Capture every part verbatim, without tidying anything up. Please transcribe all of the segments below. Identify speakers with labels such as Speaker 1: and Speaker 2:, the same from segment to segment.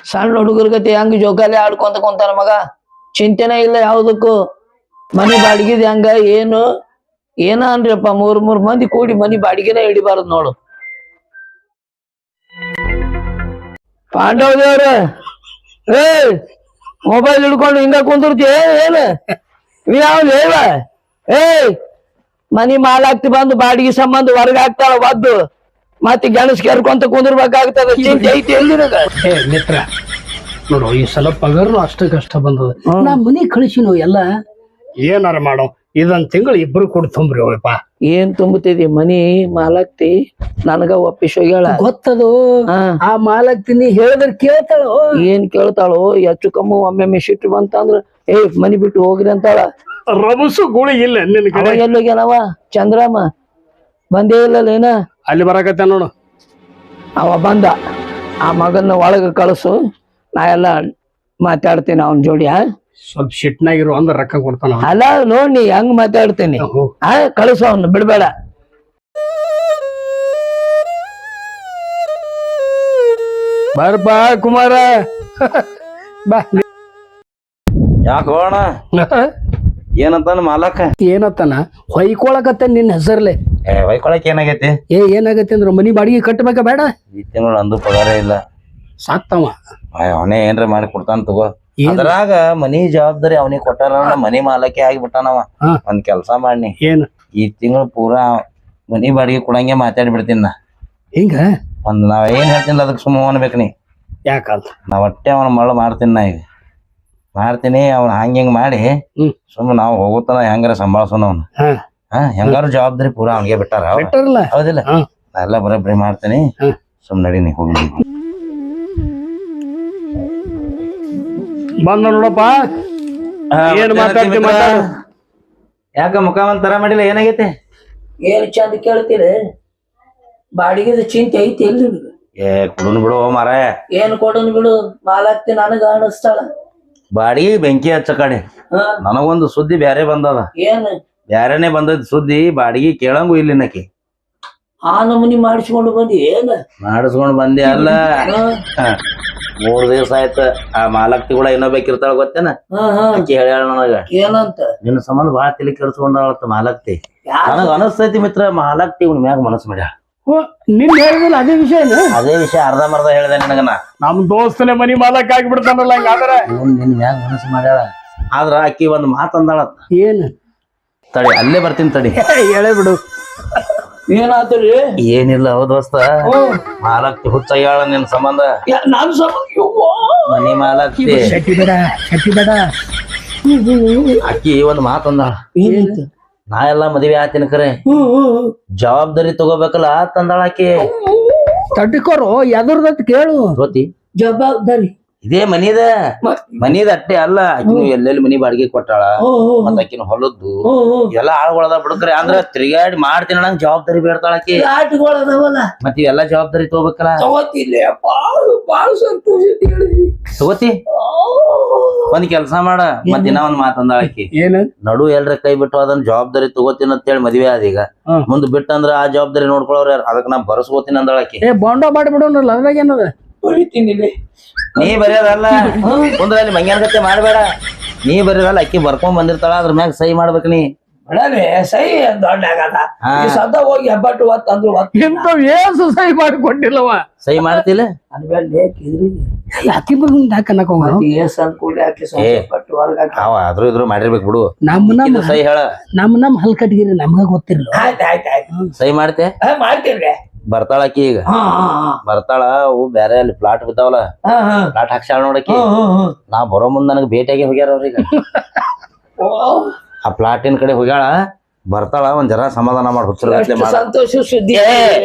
Speaker 1: ಸಣ್ಣ ಹುಡುಗರ್ಗತಿ ಹೆಂಗ್ ಜೋಕಾಲಿ ಆಡ್ಕೊಂತ ಕುಂತಾನ ಮಗ. ಚಿಂತೆನೇ ಇಲ್ಲ ಯಾವ್ದಕ್ಕೂ. ಮನಿ ಬಾಡಿಗೆದ ಹೆಂಗ ಏನು ಏನ ಅನ್ರಿಪ್ಪ, ಮೂರ್ ಮೂರ್ ಮಂದಿ ಕೂಡಿ ಮನಿ ಬಾಡಿಗೆನ ಹಿಡಿಬಾರದ್ ನೋಡು. ಪಾಂಡವ ದೇವ್ರ ಏ ಮೊಬೈಲ್ ಹಿಡ್ಕೊಂಡು ಹಿಂಗ ಕುಂದಿರ್ತಿ ಏನ್ ಯಾವ ಹೇಳ ಏ ಮನಿ ಮಾಲಾಕ್ತಿ ಬಂದು ಬಾಡಿಗೆ ಸಂಬಂಧ ಹೊರಗ ಹಾಕ್ತಾಳ ಒದ್ದು ಮತ್ತೆ ಗೆಣಸ್ ಕೆರ್ಕೊಂತ ಕುಂದಿರ್ಬೇಕಾಗ್ತದ. ಚಿಂತೆ ಐತಿ ಎಲ್ಲಿ
Speaker 2: ಮಿತ್ರ ನೋಡು ಈ ಸಲ ಪಗಾರನು ಅಷ್ಟ ಕಷ್ಟ ಬಂದದ. ನಾ ಮನಿ ಕಳಿಸಿನೋ ಎಲ್ಲ ಏನಾರ ಮಾಡೋ ಇದೊಂದ್ ತಿಂಗಳು ಇಬ್ರು ಕೂಡ ತುಂಬ್ರಿ ಅವಳಪ್ಪ.
Speaker 1: ಏನ್ ತುಂಬುತ್ತಿದಿ ಮನಿ ಮಾಲಾಕ್ತಿ ನನಗ ಒಪ್ಪಿಸ್ ಹೋಗ್ಯಾಳ
Speaker 2: ಗೊತ್ತದು. ಆ ಮಾಲಾಕ್ತಿನಿ ಹೇಳಿದ್ರ ಕೇಳ್ತಾಳು.
Speaker 1: ಏನ್ ಕೇಳ್ತಾಳು? ಹೆಚ್ಚು ಕಮ್ಮು ಒಮ್ಮೆ ಸಿಟ್ಟು ಬಂತಂದ್ರ ಏ ಮನಿ ಬಿಟ್ಟು ಹೋಗ್ರಿ ಅಂತಾಳ.
Speaker 2: ರಮಸು ಗುಳಿ ಇಲ್ಲ ನಿನ್ ಕಡೆ.
Speaker 1: ಎಲ್ಲೋಗ್ಯಾನವ ಚಂದ್ರಮ್ಮ ಬಂದೇ ಇಲ್ಲಲ್ಲ ಏನ?
Speaker 2: ಅಲ್ಲಿ ಬರಾಕತ್ತ ನೋಡು.
Speaker 1: ಅವ ಬಂದ, ಆ ಮಗನ್ನ ಒಳಗ ಕಳ್ಸು, ನಾ ಎಲ್ಲ ಮಾತಾಡ್ತೀನಿ ಅವನ್ ಜೋಡಿ.
Speaker 2: ಸ್ವಲ್ಪ ಶಿಟ್ನಾಗಿರು ಅಂದ್ರ ರೊಕ್ಕ ಕೊಡ್ತಾನ.
Speaker 1: ಅಲ್ಲ ನೋಡಿ ಹಂಗ ಮಾತಾಡ್ತೀನಿ. ಆ ಕಳ್ಸು ಅವನ್ನ ಬಿಡ್ಬೇಡ.
Speaker 2: ಬರ್ಬ ಕುಮಾರ ಬಾ.
Speaker 3: ಯಾಕೋಣ ಏನಂತಾನ ಮಾಲಕ?
Speaker 2: ಏನತ್ತಾನ ಹೊಯ್ಕೊಳಕತ್ತ ನಿನ್ ಹೆಸರ್ಲೆ.
Speaker 3: ಏ ಹೊಯ್ಕೊಳಕ್ ಏನಾಗೈತಿ?
Speaker 2: ಏ ಏನಾಗತ್ತೆ ಅಂದ್ರ ಮನಿ ಬಾಡಿಗೆ ಕಟ್ಟಬೇಕ ಬೇಡ?
Speaker 3: ಈ ತಿಂಗಳು ಅಂದು ಪಗಾರ ಇಲ್ಲ.
Speaker 2: ಸಾತ್ತವ
Speaker 3: ಅವನೇ ಏನ್ರ ಮಾಡಿ ಕೊಡ್ತಾನ ತಗೋ. ಅದ್ರಾಗ ಮನಿ ಜವಾಬ್ದಾರಿ ಅವನಿಗೆ ಕೊಟ್ಟಾರ, ಮನಿ ಮಾಲಕ್ಕೆ ಆಗಿಬಿಟ್ಟಾನವ. ಒಂದ್ ಕೆಲ್ಸ ಮಾಡಿ
Speaker 2: ಏನ್
Speaker 3: ಈ ತಿಂಗಳು ಪೂರಾ ಮನಿ ಬಾಡಿಗೆ ಕೊಡಂಗೆ ಮಾತಾಡಿ ಬಿಡ್ತೀನಿ ನಾ.
Speaker 2: ಹಿಂಗ
Speaker 3: ಒಂದ್ ನಾವ್ ಏನ್ ಹೇಳ್ತೀನಿ ಅದಕ್ಕೆ ಸುಮ್ಮ ಅನ್ಬೇಕು ನೀ.
Speaker 2: ಯಾಕಂತ
Speaker 3: ನಾ ಒಟ್ಟೆ ಅವನ ಮಳ ಮಾಡ್ತೀನಿ. ನಾ ಈಗ ಮಾಡ್ತೀನಿ ಅವ್ನ ಹಂಗ ಹಿಂಗ್ ಮಾಡಿ ಸುಮ್ಮ ನಾವ್ ಹೋಗುತ್ತಾನ ಹೆಂಗಾರ ಸಂಭಾಳ್ಸೋಣ ಅವ್ನ. ಹಾ ಹೆಂಗಾರು ಜವಾಬ್ದಾರಿ ಪೂರಾ ಅವ್ನಿಗೆ ಬಿಟ್ಟಾರ. ಹೌದಿಲ್ಲ? ನಾ ಎಲ್ಲ ಬರೋಬ್ಬರಿ ಮಾಡ್ತೀನಿ. ಸುಮ್ ನಡೀನಿ ಹೋಗಿ.
Speaker 2: ಬಂದ ನೋಡಪ್ಪ. ಏನ್ ಮಾತಾಡ್ತಿ ಮಾತಾಡು.
Speaker 3: ಯಾಕ ಮುಖ ಒಂದ್ ತರ ಮಾಡಿಲ್ಲ? ಏನಾಗೈತಿ?
Speaker 1: ಏನ್ ಚಂದ ಕೇಳ್ತೀರಿ? ಬಾಡಿಗೆದ ಚಿಂತೆ ಐತಿ ಎಲ್ಲಿ?
Speaker 3: ಏ ಕುಡುನ್ ಬಿಡು ಮಾರ.
Speaker 1: ಏನ್ ಕೊಡನ್ ಬಿಡು, ಮಾಲಾಕ್ತಿ ನನಗ ಅನಸ್ತಾಳ.
Speaker 3: ಬಾಡಿಗೆ ಬೆಂಕಿ ಹಚ್ಚ ಕಡೆ ನನಗೊಂದು ಸುದ್ದಿ ಬ್ಯಾರೆ ಬಂದದ.
Speaker 1: ಏನ್
Speaker 3: ಬ್ಯಾರೇನೆ ಬಂದದ್ ಸುದ್ದಿ, ಬಾಡಿಗೆ ಕೇಳಂಗು ಇಲ್ಲಿ ನಕಿ.
Speaker 1: ಆ ನಮೂನಿ ಮಾಡಿಸ್ಕೊಂಡು ಬಂದಿ ಏನ?
Speaker 3: ಮಾಡಿಸ್ಕೊಂಡ್ ಬಂದಿ ಅಲ್ಲ, ಮೂರ್ ದಿವ್ಸ ಆಯ್ತ. ಆ ಮಾಲಕ್ತಿ ಕೂಡ ಇನ್ನೊಬೇಕಿರ್ತಾಳ ಗೊತ್ತೇನ? ಆಕಿ ಹೇಳ್ಯಾಳ ನನಗ
Speaker 1: ಏನಂತ?
Speaker 3: ನಿನ್ನ ಸಂಬಂಧ ಬಾಳ ತಲೆ ಕೆಡ್ಸ್ಕೊಂಡಾಳತ್ತ ಮಾಲಕ್ತಿ. ನನಗ ಅನಸ್ತೈತಿ ಮಿತ್ರ, ಮಾಲಕ್ತಿ ಇವ್ನ ಮ್ಯಾಗ ಮನಸ್ಸು ಮಾಡ್ಯಾಳ.
Speaker 2: ನಿನ್ ಹೇಳಿದಿಲ್ಲ ಅದೇ ವಿಷಯ?
Speaker 3: ಅದೇ ವಿಷಯ ಅರ್ಧ ಮರ್ಧ ಹೇಳ್ದೆ ನಿನಗನ.
Speaker 2: ನಮ್ ದೋಸ್ತನೇ ಮನಿ ಮಾಲಕ್ ಆಗಿಬಿಡ್ತಾನಲ್ಲ ಹಂಗಾದ್ರೆ.
Speaker 3: ನಿನ್ ಮ್ಯಾಗ ಮನಸ್ಸು ಮಾಡ್ಯಾಳ. ಆದ್ರ ಆಕಿ ಒಂದ್ ಮಾತ್ ಅಂದಾಳ.
Speaker 2: ಏನ್?
Speaker 3: ತಡಿ ಅಲ್ಲೇ ಬರ್ತೀನಿ ತಡಿ.
Speaker 2: ಹೇಳೇ ಬಿಡು.
Speaker 1: ಏನಾದ್ರಿ?
Speaker 3: ಏನಿಲ್ಲ ಹೌದ್ ದೋಸ್ತ, ಮಾಲಕ್ತಿ ಹುಚ್ಚಾಗ್ಯಾಳ ನಿನ್ ಸಂಬಂಧ.
Speaker 1: ನಾನ್ ಸಂಬಂಧ
Speaker 3: ಮನಿ ಮಾಲಕ್ತಿ
Speaker 2: ಶೆಟ್ಟಿ ಬೇಡ ಶೆಟ್ಟಿ ಬೇಡ.
Speaker 3: ಆಕಿ ಒಂದ್ ಮಾತ್ ಅಂದಾಳ. ನಾ ಎಲ್ಲಾ ಮದ್ವೆ ಆತಿನ ಕರೆ ಜವಾಬ್ದಾರಿ ತಗೋಬೇಕಲ್ಲ ತಂದಾಳ ಆಕಿ.
Speaker 2: ತಡ್ಕೋರು ಎದರ್ದತ್ ಕೇಳು.
Speaker 3: ಗೊತ್ತಿ
Speaker 1: ಜವಾಬ್ದಾರಿ
Speaker 3: ಇದೇ ಮನಿದ ಮನಿದ ಅಟ್ಟೆ ಅಲ್ಲ. ಆಕಿನ ಎಲ್ಲೆಲ್ಲಿ ಮನಿ ಬಾಡಿಗೆ ಕೊಟ್ಟಾಳ, ಮತ್ತ ಆಕಿನ ಹೊಲದ್ದು ಎಲ್ಲಾ ಆಳ್ಗೊಳದ ಬಿಡುಕ್ರೆ. ಅಂದ್ರ ತಿರುಗಾಡಿ ಮಾಡ್ತೀನಿ ನಂಗೆ ಜವಾಬ್ದಾರಿ ಬೇಡ್ತಾಳ ಆಕಿ. ಮತ್ ಇವೆಲ್ಲಾ ಜವಾಬ್ದಾರಿ ತಗೋಬೇಕಲ್ಲ. ತಗೋತಿ ಒಂದ್ ಕೆಲ್ಸ ಮಾಡ. ಮತ್ ದಿನ ಒಂದ್ ಮಾತಂದಾಳ ಆಕಿ.
Speaker 2: ಏನ?
Speaker 3: ನಡು ಎಲ್ರ ಕೈ ಬಿಟ್ಟು ಅದನ್ನ ಜವಾಬ್ದಾರಿ ತಗೋತೀನಿ ಅಂತ ಹೇಳಿ ಮದ್ವೆ ಆದ. ಈಗ ಮುಂದ್ ಬಿಟ್ಟಂದ್ರ ಆ ಜವಾಬ್ದಾರಿ ನೋಡ್ಕೊಳವ್ರ ಯಾರು? ಅದಕ್ ನಾ ಬರ್ಸ್ಕೋತೀನಿ ಅಂದಾಳ ಆಕಿ.
Speaker 2: ಏ ಬಾಂಡ ಮಾಡಿ ಬಿಡೋನಲ್ಲ, ಅದ್ರಾಗ ಏನದ?
Speaker 3: ನೀ ಬರೆಯೋದಲ್ಲ ಕುಂದ್ರ ಅಲ್ಲಿ ಮಂಗ್ಯಾನ ಮಾಡ್ಬೇಡ. ನೀ ಬರೆಯೋದಲ್ಲ, ಅಕ್ಕಿ ಬರ್ಕೊಂಡ್ ಬಂದಿರ್ತಾಳ, ಅದ್ರ ಮ್ಯಾಗ ಸಹಿ ಮಾಡ್ಬೇಕ ನೀ.
Speaker 1: ಸಹಿ ದೊಡ್ಡ ಸದ ಹೋಗಿ ಹೆಬ್ಬಟ್ಟು ಒತ್ತಂದ್ರು
Speaker 2: ಇಂಥವ್ ಏಸು ಸಹಿ ಮಾಡಿ ಕೊಟ್ಟಿಲ್ಲವ.
Speaker 3: ಸಹಿ ಮಾಡ್ತಿಲ್ಲ
Speaker 2: ಅಕ್ಕಿ ಬರ್ಕೊಂಡ್ ಹಾಕನಕ
Speaker 3: ಆದ್ರೂ ಇದ್ರು ಮಾಡಿರ್ಬೇಕು ಬಿಡು.
Speaker 2: ನಮ್ಮ ನಮ್ಮ
Speaker 3: ಸಹಿ ಹೇಳ.
Speaker 2: ನಮ್ ನಮ್ ಹಲ್ಕಟ್ಗಿರಿ ನಮ್ಗ ಗೊತ್ತಿರ್ಲ.
Speaker 3: ಸಹಿ ಮಾಡ್ತೆ?
Speaker 1: ಮಾಡ್ತೀವ್ರಿ.
Speaker 3: ಬರ್ತಾಳ ಅಕ್ಕಿ ಈಗ ಬರ್ತಾಳ. ಅವು ಬ್ಯಾರೆ ಅಲ್ಲಿ ಪ್ಲಾಟ್ ಬಿದ್ದಾವಲ್ಲ, ಪ್ಲಾಟ್ ಹಾಕ್ಸಾಳ ನೋಡಕಿ. ನಾ ಬರೋ ಮುಂದ್ ನನಗ್ ಭೇಟಿಯಾಗಿ ಹೋಗ್ಯಾರ ಅವ್ರೀಗ. ಆ ಪ್ಲಾಟಿನ ಕಡೆ ಹೋಗ್ಯಾಳ. ಬರ್ತಾಳ, ಒಂದ್ ಜರ ಸಮಾಧಾನ ಮಾಡಿ ಹುಚ್ಚರ
Speaker 1: ಸಂತೋಷ ಸುದ್ದಿ.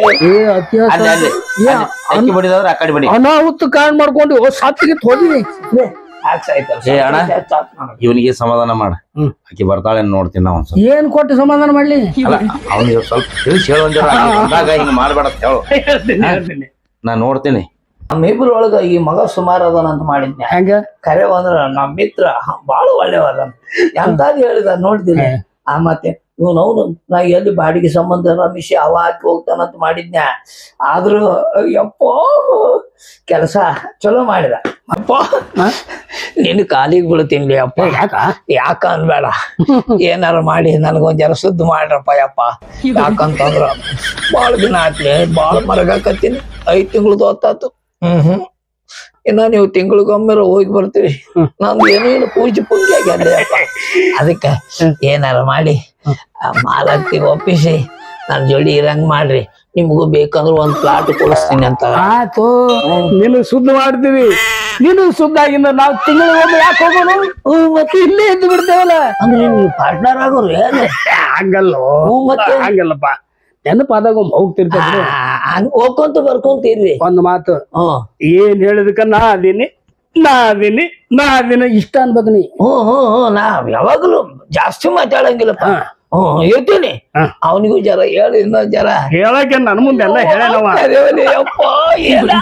Speaker 3: ಅಕ್ಕಿ ಬಡಿದವ್ರ ಆ ಕಡೆ ಬಡಿ.
Speaker 2: ಅನಾಹುತ ಕಾರಣ ಮಾಡ್ಕೊಂಡು ಸಾತ್ತಿಗೆ ಹೋದಿವಿ.
Speaker 3: ಏ ಅಣ್ಣ ಇವನಿಗೆ ಸಮಾಧಾನ ಮಾಡ. ಆಕಿ ಬರ್ತಾಳೆ ನೋಡ್ತೀನಿ ನಾ ಒಂದ್ಸಲ.
Speaker 2: ಏನ್ ಕೊಟ್ಟು ಸಮಾಧಾನ ಮಾಡ್ಲಿ?
Speaker 3: ಅವ್ನಿಗೆ ಸ್ವಲ್ಪ ತಿಳಿಸಿ ಹೇಳು ಒಂದ್ ಜರ. ಹಿಂಗ ಮಾಡ್ಬೇಡ ಹೇಳು, ನಾ ನೋಡ್ತೀನಿ.
Speaker 1: ನಮ್ಮಿಬ್ರ ಒಳಗ ಈ ಮಗ ಸುಮಾರು ಅದನಂತ ಮಾಡಿದ್ನಿ.
Speaker 2: ಹೆಂಗ
Speaker 1: ಕರೆ ಅಂದ್ರ ನಮ್ ಮಿತ್ರ ಬಾಳ ಒಳ್ಳೆವದ ಎಂತಾದ್ ಹೇಳಿದ ನೋಡ್ತೀನಿ. ಆ ಮತ್ತೆ ಇವನವನು ನಾ ಎಲ್ಲಿ ಬಾಡಿಗೆ ಸಂಬಂಧ ರಮೇಶಿ ಅವ ಹಾಕಿ ಹೋಗ್ತಾನಂತ ಮಾಡಿದ್ನ್ಯಾ ಆದ್ರೂ ಯಪ್ಪ ಕೆಲಸ ಚಲೋ ಮಾಡಿದ ಅಪ್ಪ ನಿನ್ನ ಕಾಲಿಗೆ ಬೀಳ್ತೀನಿ ಅಪ್ಪ
Speaker 2: ಯಾಕ
Speaker 1: ಯಾಕ ಅನ್ಬೇಡ ಏನಾರ ಮಾಡಿ ನನಗೊಂದ್ ಜರ ಸುದ್ದಿ ಮಾಡ್ರಪ್ಪ ಯಪ್ಪ ಯಾಕಂತಂದ್ರ ಬಾಳ ದಿನ ಆತ್ಲಿ ಬಾಳ ಮರಗಾಕತ್ತೀನಿ ಐದ್ ತಿಂಗಳದ್ದು ಹೊತ್ತಾತು ಹ್ಮ್ ಹ್ಮ್ ಇನ್ನ ನೀವು ತಿಂಗಳಿಗೊಮ್ಮೆ ಹೋಗಿ ಬರ್ತೀವಿ ನಂದು ಏನೇನು ಪೂಜೆ ಪುಂಜಿ ಆಗ್ಯಾದ್ರಿ ಅಪ್ಪ ಅದಕ್ಕೆ ಏನಾರ ಮಾಡಿ ಮಾಲಕ್ತಿ ಒಪ್ಪಿಸಿ ನನ್ ಜೋಡಿ ಇರಂಗ್ ಮಾಡ್ರಿ ನಿಮ್ಗೂ ಬೇಕಂದ್ರ ಒಂದ್ ಪ್ಲಾಟ್ ಕೊಡಿಸ್ತೀನಿ ಅಂತ
Speaker 2: ಆತು ನೀನು ಶುದ್ಧ ಮಾಡ್ತೀವಿ ನೀನು ಶುದ್ಧ ಆಗಿಂದ ನಾವ್ ತಿಂಗಳಿಗೊಮ್ಮೆ ಯಾಕೆ ಹೋಗೋಣ
Speaker 1: ಹ್ಮ್ ಮತ್ತೆ ಇಲ್ಲೇ ಇದ್ದು ಬಿಡ್ತೇವಲ್ಲ ಅಂದ್ರೆ ನೀವು ಪಾರ್ಟ್ನರ್ ಆಗೋರು ಏನು
Speaker 2: ಹಂಗಲ್ಲೋ
Speaker 1: ಹ್ಮ್ ಮತ್ತೆ
Speaker 2: ಹಂಗಲ್ಲಪ್ಪ ನೆನಪಾದಾಗ ಒಮ್ಮೆ ಹೋಗ್ತಿರ್ತೇವೆ
Speaker 1: ಹಂಗ ಹೋಗ್ಕೊಂತ ಬರ್ಕೊಂತೀರ್ರಿ
Speaker 2: ಒಂದ್ ಮಾತು
Speaker 1: ಹ್ಮ್
Speaker 2: ಏನ್ ಹೇಳಿದಕ್ಕ ನಾ ಅದೀನಿ ನಾ ಅದೀನಿ ನಾ ಅದೀನಿ ಇಷ್ಟ ಅನ್ಬೇಕು ನೀ
Speaker 1: ಹ್ಮ್ ಹ್ಮ್ ಹ್ಮ್ ನಾ ಯಾವಾಗಲೂ ಜಾಸ್ತಿ ಮಾತಾಡಂಗಿಲ್ಲಪ್ಪ ಹ್ಮ್ ಇರ್ತೀನಿ ಅವನಿಗೂ ಜರ ಹೇಳಿ ಇನ್ನೊಂದ್ ಜರ
Speaker 2: ಹೇಳಕ್ಕೆ ನನ್ ಮುಂದೆ ಎಲ್ಲ ಹೇಳವ
Speaker 1: ಅದೇವನೇ ಯಪ್ಪ ಏನ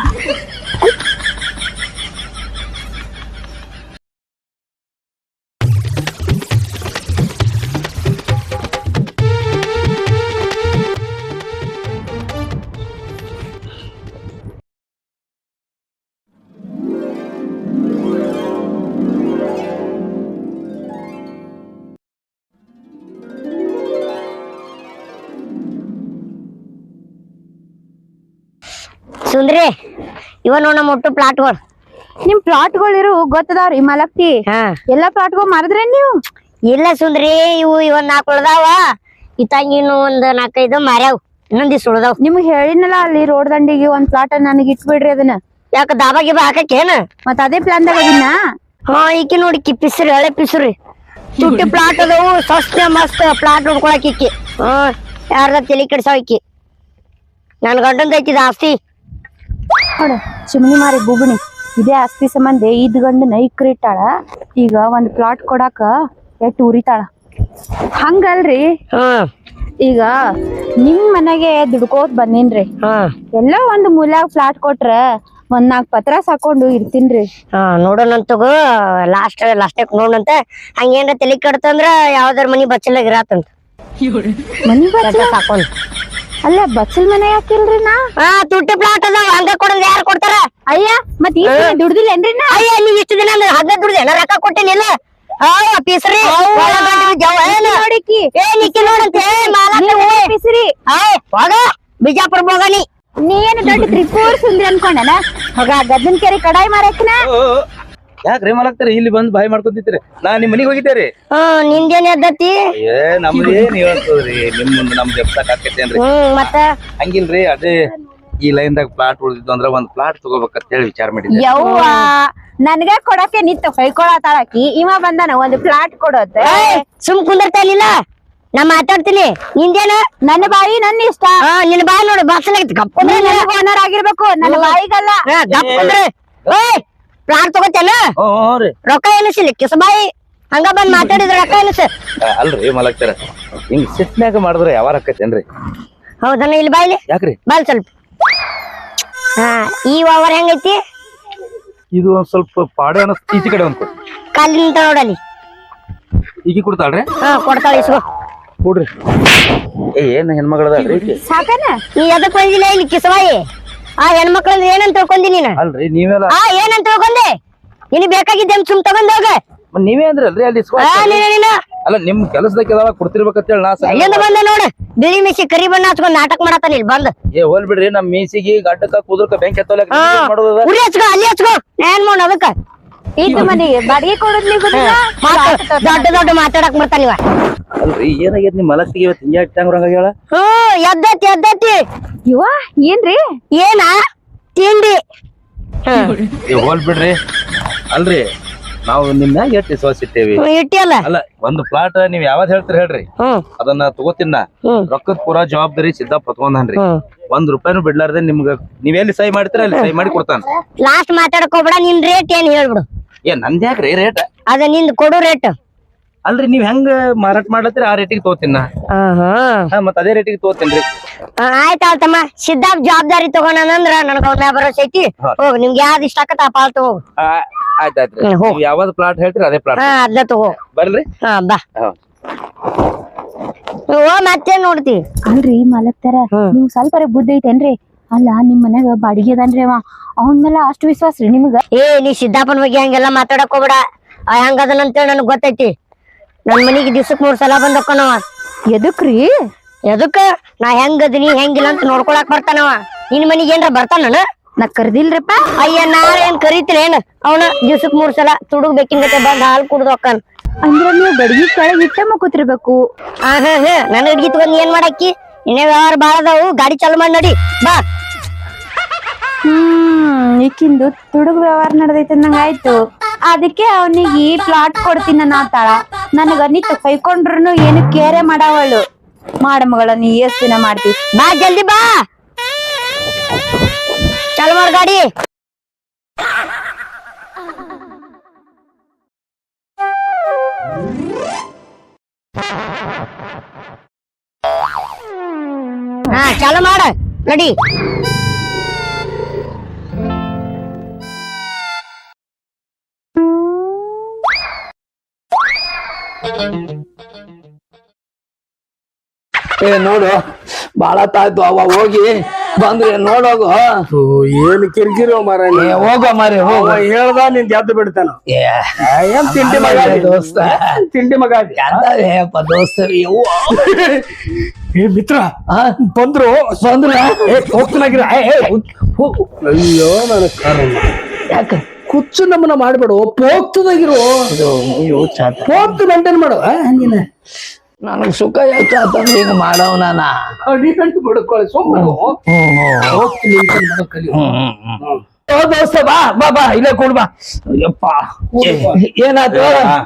Speaker 4: ಸುಂದ್ರಿ ಇವ ನೋಡ ನಮ್ಮ ಒಟ್ಟು ಪ್ಲಾಟ್ಗಳು
Speaker 5: ನಿಮ್ ಪ್ಲಾಟ್ಗಳು ಇರು ಗೊತ್ತದಾವ್ರಿ ಮಲಕ್ತಿ
Speaker 4: ಹಾ
Speaker 5: ಎಲ್ಲಾ ಪ್ಲಾಟ್ಗಳು ಮಾರಿದ್ರೇನ್ ನೀವು
Speaker 4: ಇಲ್ಲ ಸುಂದ್ರಿ ಇವು ಇವನ್ ನಾಲ್ಕು ಉಳ್ದಾವ ಇತ್ತಂಗ ಇನ್ನು ಒಂದ್ ನಾಲ್ಕೈದು ಮಾರ್ಯಾವ್ ಇನ್ನೊಂದ್ ದಿವ್ಸ ಉಳ್ದಾವ್
Speaker 5: ನಿಮ್ಗ್ ಹೇಳಿನಲ್ಲ ಅಲ್ಲಿ ರೋಡ್ ದಂಡಿಗೆ ಒಂದ್ ಪ್ಲಾಟ್ ನನಗೆ ಇಟ್ಬಿಡ್ರಿ ಅದನ್ನ
Speaker 4: ಯಾಕ ದಾಬಾ ಗಿಬಾ ಹಾಕೇನ
Speaker 5: ಮತ್ ಅದೇ ಪ್ಲಾನ್ ದಾಗ ಅದನ್ನ
Speaker 4: ಹಾ ಈಕಿ ನೋಡಿ ಕಿ ಪಿಸ್ರಿ ಹಳೆ ಪಿಸ್ರಿ ತುಟ್ಟಿ ಪ್ಲಾಟ್ ಅದಾವು ಸಸ್ತ ಮಸ್ತ್ ಪ್ಲಾಟ್ ನೋಡ್ಕೊಳಕ್ ಇಕ್ಕಿ ಹ್ಮ್ ಯಾರ್ದ ತಲಿ ಕೆಡ್ಸಾವ್ ಇಕ್ಕಿ ನನ್ ಗಂಡಂದ ಐತಿದ ಆಸ್ತಿ
Speaker 5: ನೋಡ ಚಿಮಣಿ ಮಾರಿ ಬುಗುಣಿ ಇದೇ ಆಸ್ತಿ ಸಂಬಂಧ ಇದ್ ಗಂಡನ ಇಕ್ರಿಟ್ಟಾಳ ಈಗ ಒಂದ್ ಪ್ಲಾಟ್ ಕೊಡಾಕ ಎಟ್ ಉರಿತಾಳ ಹಂಗಲ್ರಿ
Speaker 4: ಹ್ಮ್
Speaker 5: ಈಗ ನಿಮ್ ಮನೆಗೆ ದುಡ್ಕೋತ್ ಬಂದಿನ್ರಿ
Speaker 4: ಹ್ಮ್
Speaker 5: ಎಲ್ಲೋ ಒಂದ್ ಮೂಲ್ಯಾಗ ಪ್ಲಾಟ್ ಕೊಟ್ರ ಒಂದ್ ನಾಲ್ಕ್ ಪತ್ರ ಸಾಕೊಂಡು ಇರ್ತೀನ್ರಿ
Speaker 4: ಹಾ ನೋಡೋಣಂತಗೋ ಲಾಸ್ಟ್ ಲಾಸ್ಟ್ ನೋಡಂತ ಹಂಗೇನ್ರ ತಲಿ ಕೆಡ್ತಂದ್ರ ಯಾವ್ದಾರ ಮನಿ ಬಚ್ಚಲಾಗ ಇರಾತಂತ
Speaker 5: ಮನಿ ಬಚ್ಚಲ
Speaker 4: ಸಾಕೊಂಡ್
Speaker 5: ಅಲ್ಲ ಬಚ್ಚಲ್ ಮನೆ ಯಾಕಿಲ್ರಿ ನಾ
Speaker 4: ಹಾ ತುಟ್ಟಿ ಪ್ಲಾಟ್ ಅದಾವ ಹಂಗ ಕೊಡೋದ್ ಯಾರು ಕೊಡ್ತಾರ
Speaker 5: ಅಯ್ಯ ಮತ್ ಈ ದುಡ್ದಿಲ್ಲೇನ್ರಿ ನಾ
Speaker 4: ಅಯ್ಯ ನೀವ್ ಇಷ್ಟು ದಿನ ಹಗ್ಗ ದುಡ್ದೆ ನಾ ರೊಕ್ಕ ಕೊಟ್ಟಿನಿಲ್ಲ ಅಯ್ಯ ಪೀಸ್ರಿ
Speaker 5: ನೋಡಿಕಿ
Speaker 4: ಏ ನಿಕ್ಕಿ ನೋಡಂತೆ
Speaker 5: ಪಿಸ್ರಿ
Speaker 4: ಆಯ್ ಹೋಗ ಬಿಜಾಪುರ ಹೋಗನಿ
Speaker 5: ನೀ ಏನು ದೊಡ್ಡ ತ್ರಿಪುರ ಸುಂದ್ರಿ ಅನ್ಕೊಂಡನ ಹೋಗ ಗದ್ದನ್ ಕೆರೆ ಕಡಾಯಿ ಮಾರಕ್ನ
Speaker 3: ಯಾಕ್ರಿ ಮಲಗ್ತಾರ ಇಲ್ಲಿ ಬಂದ್ ಬಾಯಿ ಮಾಡ್ಕೊತಿದ್ರಿ ನಾ ನಿಮ್ ಮನಿಗ್ ಹೋಗಿದ್ದೇರಿ
Speaker 4: ಹ್ಮ್ ನಿಂದೇನ್ ಎದ್ದತಿ
Speaker 3: ಏ ನಮ್ದು ಏನ್ ಹೇಳ್ತದ್ರಿ ನಿಮ್ ಮುಂದ್ ನಮ್ ಜಪ್ಸಕ್ ಆಕೇತೇನ್ರಿ
Speaker 4: ಹ್ಮ್ ಮತ್ತ
Speaker 3: ಹಂಗಿಲ್ರಿ ಅದೇ ಈ ಲೈನ್ ದಾಗ ಪ್ಲಾಟ್ ಉಳಿದಿದ್ದು ಅಂದ್ರ ಒಂದ್ ಪ್ಲಾಟ್ ತಗೋಬೇಕಂತ ಹೇಳಿ ವಿಚಾರ ಮಾಡಿದ್ದೆ
Speaker 5: ಯವ್ವ ನನ್ಗ ಕೊಡಕ್ಕೆ ನಿಂತ ಹೊಯ್ಕೊಳತಾಳಕಿ ಇವ ಬಂದಾನ ಒಂದ್ ಪ್ಲಾಟ್ ಕೊಡೋತ
Speaker 4: ಸುಮ್ ಕುಂದಿರ್ತಾನಿಲ್ಲ ನಾ ಮಾತಾಡ್ತೀನಿ ನಿಂದೇನ
Speaker 5: ನನ್ನ ಬಾಯಿ ನನ್ನ ಇಷ್ಟ
Speaker 4: ಹಾ ನಿನ್ ಬಾಯ್ ನೋಡು ಬಾಕ್ಸಲಾಗಿತ್ತು ಗಪ್ಪಂದ್ರೆ
Speaker 5: ಓನರ್ ಆಗಿರ್ಬೇಕು ನನ್ನ ಬಾಯಿಗಲ್ಲ
Speaker 4: ಗಪ್ಪಂದ್ರೆ ಏಯ್ ಪ್ಲಾಟ್ ತಗೋತೇನ
Speaker 3: ಹ್ಞೂ ರೀ
Speaker 4: ರೊಕ್ಕ ಎನಿಸಿಲ್ಲ ಕಿಸಬಾಯಿ ಹಂಗ ಬಂದ್ ಮಾತಾಡಿದ್ರ ರೊಕ್ಕ ಎನಿಸ
Speaker 3: ಅಲ್ರಿ ಮಲಗ್ತಾರ ಹಿಂಗ್ ಸಿಟ್ನ್ಯಾಗ ಮಾಡಿದ್ರ ಯಾವ ಆಕೈತೇನ್ರಿ
Speaker 4: ಹೌದನ ಇಲ್ಲಿ ಬಾಯ್ಲಿ
Speaker 3: ಯಾಕ್ರಿ
Speaker 4: ಬಾಲ್ ಸ್ವಲ್ಪ ಹಾ ಈ ಓವರ್ ಹೆಂಗೈತಿ
Speaker 3: ಇದು ಒಂದ್ ಸ್ವಲ್ಪ ಪಾಡೆ ಅನಸ್ ಈಚೆ ಕಡೆ ಒಂದ್
Speaker 4: ಕಾಲಿನ ನೋಡಲಿ
Speaker 3: ಈಗ ಕೊಡ್ತಾಳ್ರಿ
Speaker 4: ಹಾ ಕೊಡ್ತಾಳ ಇಸ್ಕೋ
Speaker 3: ಕೊಡ್ರಿ ಏ ಏನ್ ಹೆಣ್ಮಗಳದಾಳ್ರಿ
Speaker 5: ಸಾಕನ
Speaker 4: ನೀ ಎದಕ್ ಬಂದಿಲ್ಲ ಇಲ್ಲಿ ಕಿಸಬಾಯಿ ಆ ಹೆಣ್ಮಕ್ಳಂದ್ರ ಏನಂತ ತಿಳ್ಕೊಂಡಿ ನೀನ
Speaker 3: ಅಲ್ರಿ ನೀವೆಲ್ಲ
Speaker 4: ಆ ಏನಂತ ತಿಳ್ಕೊಂಡೆ ನಿನ್ ಬೇಕಾಗಿದ್ದೆ ಸುಮ್ ತಗೊಂಡ್ ಹೋಗ
Speaker 3: ಮತ್ತ್ ನೀವೇ ಅಂದ್ರಲ್ರಿ ಅಲ್ಲಿ ಇಸ್ಕೊ-
Speaker 4: ಆ ನೀನ ನೀನ
Speaker 3: ಅಲ್ಲ ನಿಮ್ ಕೆಲಸದಾಗ ಯಾವಾಗ ಕೊಡ್ತಿರ್ಬೇಕಂತ ಹೇಳಿ ನಾ ಸಲ-
Speaker 4: ಎಲ್ಲಿಂದ ಬಂದ ನೋಡ ಬಿಳಿ ಮಿಸಿ ಕರಿ ಬಣ್ಣ ಹಚ್ಕೊಂಡ್ ನಾಟಕ ಮಾಡತ್ತಾನ ಇಲ್ಲಿ ಬಂದ್
Speaker 3: ಏ ಹೋಲ್ ಬಿಡ್ರಿ ನಮ್ ಮೀಸಿಗೆ ಗಡ್ಡಕ್ಕ ಕುದುರ್ಕ ಬೆಂಕಿ ಹತ್ತೋಲಕ್
Speaker 4: ಹಾ
Speaker 3: ಮಾಡೋದ
Speaker 4: ಉರಿ ಹಚ್ಕೋ ಅಲ್ಲಿ ಹಚ್ಕೋ ಏನ್ ಮಾಡ ಅದಕ್ಕ
Speaker 5: ಇದ್ ಮನೆಗೆ ಬಾಡಿಗೆ ಕೊಡೋದ್ ನೀವು
Speaker 4: ದೊಡ್ಡ ದೊಡ್ಡ ಮಾತಾಡಕ್ ಬರ್ತಾನ ಇವ
Speaker 3: ಅಲ್ರಿ ಏನಾಗೈತಿ ನಿಮ್ ಮಲಕ್ತಿಗೆ ಇವತ್ತು ಹಿಂಗೆ ಇಟ್ಟಂಗ್ರಂಗ ಹೇಳ
Speaker 4: ಹ್ಮ್ ಎದ್ದತಿ ಎದ್ದತಿ
Speaker 5: ಇವ ಏನ್ರಿ
Speaker 4: ಏನ ತಿಂಡಿ
Speaker 3: ಏ ಹೋಲ್ ಬಿಡ್ರಿ ಅಲ್ರಿ ನಾವು ನಿಮ್ ಮ್ಯಾಗ ಎಷ್ಟು ವಿಶ್ವಾಸ ಇಟ್ಟೇವಿ
Speaker 4: ಇಟ್ಟಿಯಲ್ಲ
Speaker 3: ಅಲ್ಲ ಒಂದು ಪ್ಲಾಟ್ ನೀವ್ ಯಾವ್ದ್ ಹೇಳ್ತೀರಿ ಹೇಳ್ರಿ
Speaker 4: ಹ್ಮ್
Speaker 3: ಅದನ್ನ ತಗೋತಿನ
Speaker 4: ಹ್ಮ್
Speaker 3: ರೊಕ್ಕದ ಪೂರಾ ಜವಾಬ್ದಾರಿ ಸಿದ್ಧ ಪತ್ಕೊಂಡನ್ರಿ
Speaker 4: ಹ್ಮ್
Speaker 3: ಒಂದ್ ರೂಪಾಯಿನೂ ಬಿಡ್ಲಾರ್ದೆ ನಿಮ್ಗ ನೀವ್ ಎಲ್ಲಿ ಸಹಿ ಮಾಡ್ತೀರ ಅಲ್ಲಿ ಸಹಿ ಮಾಡಿ ಕೊಡ್ತಾನ
Speaker 4: ಲಾಸ್ಟ್ ಮಾತಾಡಕ್ ಹೋಗ್ಬೇಡ ನಿನ್ ರೇಟ್ ಏನ್ ಹೇಳ್ಬಿಡು
Speaker 3: ಏ ನಂದ್ ಯಾಕ್ರಿ ರೇಟ್
Speaker 4: ಅದ ನಿಂದ್ ಕೊಡು ರೇಟ್
Speaker 3: ಅಲ್ರಿ ನೀವ್ ಹೆಂಗ ಮಾರಾಟ ಮಾಡ್ಲತ್ತೀರಿ ಆ ರೇಟಿಗೆ ತಗೋತೀನ ಹಾ ಮತ್ ಅದೇ ರೇಟಿಗೆ ತಗೋತೀನ್ರಿ
Speaker 4: ಆಯ್ತ ಆಳ್ತಮ್ಮ ಸಿದ್ಧಾರ್ಥ್ ಜವಾಬ್ದಾರಿ ತಗೊಂಡಂದ್ರ ನನಗ ಅವ್ನ ಮ್ಯಾಗ ಭರೋಸೆ ಐತಿ ಹೋಗ್ ನಿಮ್ಗೆ ಯಾವ್ದು ಇಷ್ಟ ಆಕತ್ತ ಆ ಪಾಲ್ ತಗೋ
Speaker 3: ಆಯ್ತಾಯ್ತ್ರಿ
Speaker 4: ಹ್ಮ್, ಹೋಗ್.
Speaker 3: ನೀವ್ ಯಾವ್ದ್ ಪ್ಲಾಟ್ ಹೇಳ್ತೀರಿ ಅದೇ ಪ್ಲಾಟ್
Speaker 4: ಹಾ ಅದ್ನ ತಗೋ
Speaker 3: ಬರ್ರಿ
Speaker 4: ಹಾ ಬಾ
Speaker 3: ಹಾ
Speaker 4: ಓ ಮತ್ತೇನ್ ನೋಡ್ತಿ
Speaker 5: ಅಲ್ರಿ ಮಲಕ್ತಾರ ನಿಮ್ ಸ್ವಲ್ಪ ಬುದ್ಧಿ ಐತೇನ್ರಿ ಅಲ್ಲ ನಿಮ್ ಮನ್ಯಾಗ ಬಾಡಿಗೆ ಅದಾನ್ರಿ ಅವ ಅವನ್ ಮೇಲೆ ಅಷ್ಟು ವಿಶ್ವಾಸ ರೀ ನಿಮ್ಗ
Speaker 4: ಏ ನೀ ಸಿದ್ದಾಪನ್ ಬಗ್ಗೆ ಹಂಗೆಲ್ಲಾ ಮಾತಾಡಕ್ ಹೋಗ್ಬೇಡ ಆ ಹೆಂಗದನ ಅಂತೇಳಿ ನನಗ್ ಗೊತ್ತೈತಿ ನನ್ ಮನಿಗೆ ದಿವ್ಸಕ್ ಮೂರ್ ಸಲ ಬಂದ್ ಹೋಕ್ಕನವ
Speaker 5: ಎದಕ್ರಿ
Speaker 4: ಎದಕ್ಕ ನಾ ಹೆಂಗದಿನಿ ಹೆಂಗಿಲ್ಲ ಅಂತ ನೋಡ್ಕೊಳಕ್ ಬರ್ತಾನವ ನಿನ್ ಮನಿಗೆ ಏನ್ರ ಬರ್ತಾನ
Speaker 5: ನಾ ಕರ್ದಿಲ್ರಿಪ್ಪ
Speaker 4: ಅಯ್ಯ ನಾಳೆ ಏನ್ ಕರೀತಿಲ್ಲ ಏನ್ ಅವನ ದಿವ್ಸಕ್ ಮೂರ್ ಸಲ ತುಡುಗ್ ಬೇಕಿನ್ ಗತೆ ಬಂದ್ ಹಾಲ್ ಕುಡ್ದು ಹೋಕ್ಕನ್
Speaker 5: ಅಂದ್ರ ನೀವು ಗಡಿಗೆ ಕೆಳಗ್ ಇಟ್ಟ ಮಕ್ಕೋತಿರ್ಬೇಕು
Speaker 4: ಹಾ ಹಾ ಹಾ ನನ್ ಹಿಡ್ಗಿ ತಗೊಂಡ್ ಏನ್ ಮಾಡಾಕಿ ಇನ್ನೇ ವ್ಯವಹಾರ ಬಾಳ ಅದಾವು ಗಾಡಿ ಚಾಲು ಮಾಡಿ ನಡಿ ಬಾ
Speaker 5: ಹ್ಮ್ ಈಕಿಂದು ತುಡುಗ್ ವ್ಯವಹಾರ ನಡ್ದೈತೆ ನಂಗ ಆಯ್ತು ಅದಕ್ಕೆ ಅವನಿಗೆ ಪ್ಲಾಟ್ ಕೊಡ್ತೀನಿ ನಾತಾಳ ನನಗ ನಿತ್ ಕೈಕೊಂಡ್ರು ಏನು ಕೇರೆ ಮಾಡವಳು ಮಾಡ ಮಗಳ ನೀ ಎಷ್ಟ್ ದಿನ ಮಾಡ್ತಿ
Speaker 4: ಬಾ ಜಲ್ದಿ ಬಾ ಚಾಲು ಮಾಡ್ ಗಾಡಿ ಹಾ ಚಾಲು ಮಾಡ ನಡಿ
Speaker 1: ಏ ನೋಡು ಬಾಳ ತಾಯ್ತು ಅವ ಹೋಗಿ ಬಂದ್ರೆ ನೋಡೋಗು
Speaker 2: ಏನ್ ಕಿರಿಕಿರಿ ಮಾರ
Speaker 1: ಏ, ಹೋಗೋ ಮಾರಿ ಹೋಗ
Speaker 2: ಹೇಳ್ದ ನಿನ್ ಗೆದ್ದು ಬಿಡ್ತಾನ ಏನ್ ತಿಂಡಿ ಮಗ ಅದಿ?
Speaker 1: ದೋಸ್ತ
Speaker 2: ಏನ್ ತಿಂಡಿ ಮಗ ಅದಿ?
Speaker 1: ಹೇಯಪ್ಪ ದೋಸ್ತರಿ ಯವ್ವ.
Speaker 2: ಏ ಮಿತ್ರ
Speaker 1: ಆ,
Speaker 2: ಬಂದ್ರು
Speaker 1: ಬಂದ್ರ
Speaker 2: ಹೋಗ್ತನಾಗಿರ ಅಯ್ಯೋ ನನ್ನ ಕಾರಣ
Speaker 1: ಯಾಕ
Speaker 2: ಕುಚ್ಚು ನಮ್ಮನ್ನ ಮಾಡ್ಬೇಡು ಪೋಗ್ತದಾಗಿರು
Speaker 1: ಇದು ಅಯ್ಯೋ ಚಾತ
Speaker 2: ಪೋಗ್ತು ಮೇಂಟೈನ್ ಮಾಡು ಆ, ನೀನ
Speaker 1: ನನಗ್ ಸುಖ ಯಾಕಂದ್ರೆ ಈಗ ಮಾಡವ್ ನಾನ
Speaker 2: ಅಡಿ ಗಂಟು ಬಿಡ್ಕೊಳ್ಳಿ ಸುಮ್ಮನೆ
Speaker 1: ಹ್ಮ್ ಹ್ಮ್
Speaker 2: ಹೋಗ್ತೀನಿ ಅಂತ ಮಾಡೋ ಕಲಿ
Speaker 1: ಹ್ಮ್ ಹ್ಮ್ ಹ್ಮ್ ಓ ದೋಸ್ತ ಬಾ ಬಾ ಬಾ ಇಲ್ಲೇ ಕೂಡ್ ಬಾ ಯಪ್ಪ ಏನಾಯ್ತು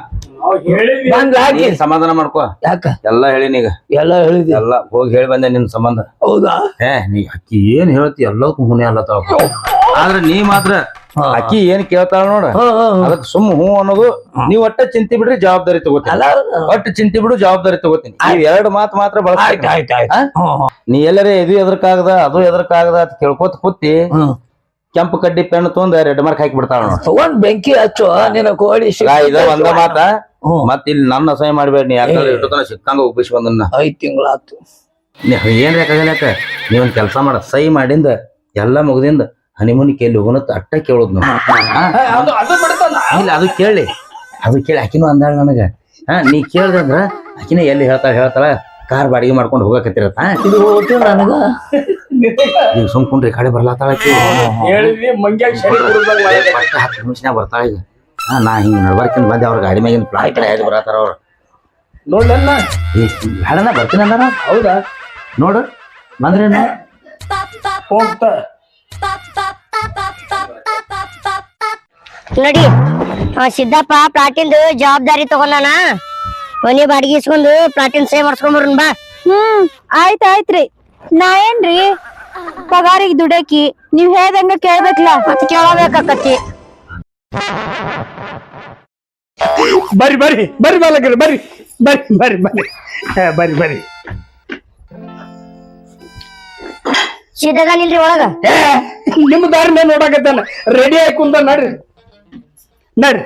Speaker 1: ಬಂದ್ ಹಾಕಿ
Speaker 3: ನೀನ್ ಸಮಾಧಾನ ಮಾಡ್ಕೋ
Speaker 1: ಯಾಕ
Speaker 3: ಎಲ್ಲಾ ಹೇಳಿನಿ ಈಗ
Speaker 1: ಎಲ್ಲ ಹೇಳಿದಿ
Speaker 3: ಎಲ್ಲಾ ಹೋಗಿ ಹೇಳಿ ಬಂದೆ ನಿನ್ ಸಂಬಂಧ
Speaker 1: ಹೌದಾ
Speaker 3: ಏ ನೀ ಅಕ್ಕಿ ಏನ್ ಹೇಳ್ತಿ ಎಲ್ಲದಕ್ಕೂ ಹುನೆ ಅಲ್ಲತ್ತಾವ ಆದ್ರೆ ನೀ ಮಾತ್ರ
Speaker 1: ಹಾ.
Speaker 3: ಅಕ್ಕಿ ಏನ್ ಕೇಳ್ತಾಳ ನೋಡ
Speaker 1: ಹ್ಮ್ ಹ್ಮ್ ಹ್ಮ್.
Speaker 3: ಅದಕ್ ಸುಮ್ ಹೂ ಅನ್ನೋದು ನೀವ್ ಒಟ್ಟ ಚಿಂತಿ ಬಿಡ್ರಿ ಜವಾಬ್ದಾರಿ ತಗೋತೀನಿ
Speaker 1: ಅಲ್ಲ
Speaker 3: ಒಟ್ಟು ಚಿಂತಿ ಬಿಡು ಜವಾಬ್ದಾರಿ ತಗೋತೀನಿ ನೀವ್ ಎರಡ್ ಮಾತ್ ಮಾತ್ರ
Speaker 1: ಆಯ್ತು
Speaker 3: ಬಳಸ್ಬೇಕು
Speaker 1: ಆಯ್ತು ಆಯ್ತು ಹ್ಮ್ ಹ್ಮ್
Speaker 3: ನೀ ಎಲ್ಲರೇ ಇದು ಎದರ್ಕಾಗದ ಅದು ಎದರ್ಕಾಗದ ಅಂತ ಕೇಳ್ಕೊತ ಕೂತಿ
Speaker 1: ಹ್ಮ್
Speaker 3: ಕೆಂಪು ಕಡ್ಡಿ ಪೆನ್ ತೊಂದ ರೆಡ್ ಮಾರ್ಕ್ ಹಾಕಿ ಬಿಡ್ತಾಳ ನೋಡ
Speaker 1: ತಗೊಂಡ್ ಬೆಂಕಿ ಹಚ್ಚು ನಿನ್ನ ಕೋಳಿ
Speaker 3: ಇದ ಒಂದ ಮಾತ
Speaker 1: ಹ್ಮ್.
Speaker 3: ಮತ್ ಇಲ್ಲಿ ನನ್ನ ಅಸಹ್ಯ ಮಾಡ್ಬೇಡ ನೀ ಯಾಕಂದ್ರೆ ಇಟ್ಟು ತನ ಸಿಕ್ಕಂಗ ಉಬ್ಬಿಸಿ ಬಂದನ್ನ
Speaker 1: ಐದ್ ತಿಂಗಳಾತು
Speaker 3: ನೀ ಏನ್ ಬೇಕಾಗಲ್ಯಾಕ ನೀವೊಂದ್ ಕೆಲಸ ಮಾಡ ಸಹಿ ಮಾಡಿಂದ ಎಲ್ಲಾ ಮುಗ್ದಿಂದ ಹನಿಮೂನಿ ಕೇಳಿ ಹೋಗೋಣ ಅಟ್ಟ ಕೇಳೋದ್ ನಾವು
Speaker 2: ಅದು ಅದು ಬಿಡ್ತಾನ
Speaker 3: ಇಲ್ಲ ಅದು ಕೇಳಿ ಅದು ಕೇಳಿ ಆಕಿನೂ ಅಂದಾಳ ನನಗ ಹಾ ನೀ ಕೇಳ್ದಂದ್ರ ಆಕಿನ ಎಲ್ಲಿ ಹೇಳ್ತಾಳ ಹೇಳ್ತಾಳ ಕಾರ್ ಬಾಡಿಗೆ ಮಾಡ್ಕೊಂಡು ಹೋಗಕತ್ತಿರತ್ತ
Speaker 1: ಇದು ಹೋತು ನನಗ
Speaker 3: ಈಗ ಸುಮ್ಕೊಂಡ್ರಿ ಕಡೆ ಬರ್ಲಾತಾಳ ಆಕಿ
Speaker 2: ಹೇಳಿದ್ವಿ ಮಂಗ್ಯಾಗ ಶರೀರ ಹುಡುಗ್ದಾಗ ಮಾಡಿದೆ.
Speaker 3: ಪಟ್ಟ ಹತ್ತು ನಿಮಿಷನಾಗ ಬರ್ತಾಳ ಈಗ ಹಾ ನಾ ಹಿಂಗ ನಡ್ಬರ್ಕಿನ್ ಬಂದೆ ಅವ್ರ ಗಾಡಿ ಮ್ಯಾಗಿನ ಫ್ಲೈಟ್ ಎದ್ದು ಬರತಾರ ಅವ್ರು
Speaker 2: ನೋಡ್ಲನ್ನ
Speaker 3: ಏ ಬೇಡನ ಬರ್ತೀನಿ ಅಂದಾರ
Speaker 2: ಹೌದಾ
Speaker 3: ನೋಡು ಬಂದ್ರೇನ
Speaker 2: ಹೋಗ್ತಾ
Speaker 4: ನಡಿ ಆ ಸಿದ್ದಪ್ಪ ಪ್ಲಾಟಿಂದು ಜವಾಬ್ದಾರಿ ತಗೊಂಡಾನ ಮನಿ ಬಾಡಿಗೆ ಇಸ್ಕೊಂಡು ಪ್ಲಾಟಿನ್ ಸೇವ್ ಮಾಡ್ಸ್ಕೊಂಬರ್ನ್ ಬಾ
Speaker 5: ಹ್ಮ್ ಆಯ್ತ್ ಆಯ್ತ್ರಿ ನಾ ಏನ್ರಿ ಪಗಾರಿಗೆ ದುಡಕಿ ನೀವ್ ಹೇಳ್ದಂಗ ಕೇಳ್ಬೇಕಲ್ಲ
Speaker 4: ಮತ್ ಕೇಳಬೇಕಾಕತಿ
Speaker 2: ಬರ್ರಿ ಬರ್ರಿ ಬರ್ರಿ ಬಾಲಕರು ಬರ್ರಿ ಬರ್ರಿ ಬರ್ರಿ ಬರ್ರಿ ಹಾ, ಬರ್ರಿ ಬರ್ರಿ
Speaker 4: ಸಿದ್ದದಾನಿಲ್ರಿ ಒಳಗ
Speaker 2: ಏ ನಿಮ್ಮ ದಾರಿ ಮೇಲೆ ನೋಡಕತ್ತಾನ ರೆಡಿ ಆಗಿ ಕುಂದ ನಡ್ರಿ ನಡ್ರಿ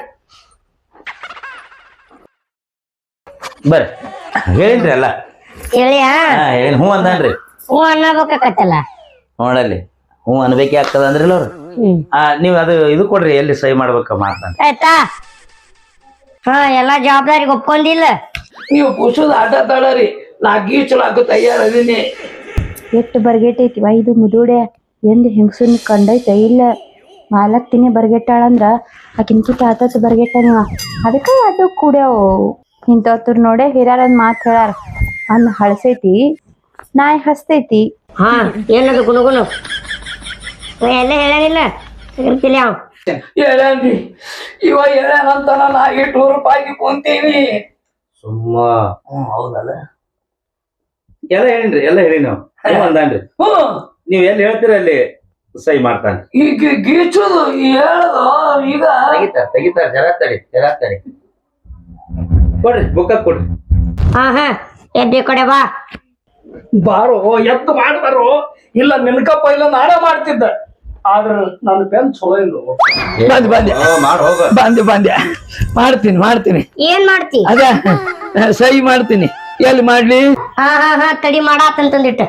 Speaker 3: ಬರ್ರಿ ಹೇಳಿನ್ರಿ ಅಲ್ಲ
Speaker 4: ಹೇಳಿಯಾ
Speaker 3: ಹಾ ಹೇಳಿ ಹ್ಞೂ ಅಂದಾನ್ರಿ
Speaker 4: ಹ್ಞೂ ಅನ್ನಬೇಕಾಕತ್ತಲ್ಲ
Speaker 3: ನೋಡಲ್ಲಿ ಹ್ಞೂ ಅನ್ಬೇಕೇ ಆಗ್ತದ ಅಂದ್ರಿಲ್ಲ ಅವ್ರು
Speaker 4: ಹ್ಮ್
Speaker 3: ಆ ನೀವ್ ಅದು ಇದು ಕೊಡ್ರಿ ಎಲ್ಲಿ ಸಹಿ ಮಾಡ್ಬೇಕ ಮಾಡ್ತಾನೆ
Speaker 4: ಆಯ್ತಾ ಹಾ ಎಲ್ಲಾ ಜವಾಬ್ದಾರಿಗೆ ಒಪ್ಕೊಂಡಿಲ್ಲ
Speaker 1: ನೀವು ಕುಸದ ಆಟ ತಾಳರಿ ನಾ ಗೀಚಲಾಕ ತಯಾರದೀನಿ
Speaker 5: ಎಷ್ಟು ಬರ್ಗೆಟ್ಟೈತಿವ ಇದು ಮುದುಡೆ ಎಂದ್ ಹೆಂಗಸನ್ ಕಂಡೈತೆ ಇಲ್ಲ ಮಾಲಕ್ತಿನೇ ಬರ್ಗೆಟ್ಟಾಳಂದ್ರ ಆಕಿನ್ಕಿತ ಆತತ್ ಬರ್ಗೆಟ್ಟ ನೀವ ಅದಕ್ಕ ಅದು ಕೂಡ್ಯಾವು ಇಂಥವ್ರ ನೋಡೆ ಹಿರಿಯರದ್ ಮಾತ್ ಹೇಳಾರ ಅನ್ನ ಹಳಸೈತಿ ನಾಯಿ ಹಸ್ತೈತಿ
Speaker 4: ಹಾ ಏನದು ಗುನುಗುನು ಎಲ್ಲ ಹೇಳಲಿಲ್ಲ ಇರ್ತಿಲ್ಲ ಅವ್
Speaker 1: ಹೇಳಿ ಇವ ಹೇಳ್ಯಾನಂತಾನ ನಾ ಇಟ್ಟು ನೂರು ರೂಪಾಯಿಗೆ ಕುಂತೀವಿ
Speaker 3: ಸುಮ್ಮ
Speaker 1: ಹ್ಮ್ ಹೌದಲ್ಲ
Speaker 3: ಎಲ್ಲ ಹೇಳಿನ್ರಿ ಎಲ್ಲ ಹೇಳಿ ನಾವು ಹ್ಞೂ ಅಂದಾನ್ರಿ
Speaker 1: ಹ್ಮ್
Speaker 3: ನೀವ್ ಎಲ್ಲಿ ಹೇಳ್ತೀರ ಅಲ್ಲಿ ಸಹಿ ಮಾಡ್ತಾನೆ
Speaker 1: ಈಗ ಗೀಚುದು ಹೇಳದು ಈಗ
Speaker 3: ತೆಗಿತಾರ ತೆಗಿತಾರ ಜರಾತಡಿ ಜರಾತಡಿ ಕೊಡ್ರಿ ಬುಕ್ಕ ಕೊಡ್ರಿ
Speaker 4: ಹಾ ಹಾ ಎದ್ದೆ ಕಡೆ ಬಾ
Speaker 2: ಬಾರೋ ಎದ್ದು ಮಾಡ್ಬಾರೋ ಇಲ್ಲ ನಿನ್ಕಪ್ಪ ಇಲ್ಲ ನಾನೇ ಮಾಡ್ತಿದ್ದ ಆದ್ರ ನನ್ನ ಬೆನ್ ಚಲೋ ಇಲ್ಲ
Speaker 1: ಬಂದೆ ಬಂದೆ
Speaker 3: ಮಾಡಿ ಹೋಗ
Speaker 1: ಬಂದೆ ಬಂದೆ ಮಾಡ್ತೀನಿ ಮಾಡ್ತೀನಿ
Speaker 4: ಏನ್ ಮಾಡ್ತಿ
Speaker 1: ಅದ ಸಹಿ ಮಾಡ್ತೀನಿ ಎಲ್ಲಿ ಮಾಡ್ಲಿ
Speaker 4: ಹಾ ಹಾ ಹಾ ತಡಿ ಮಾಡಾತಂತಂದಿಟ್ಟ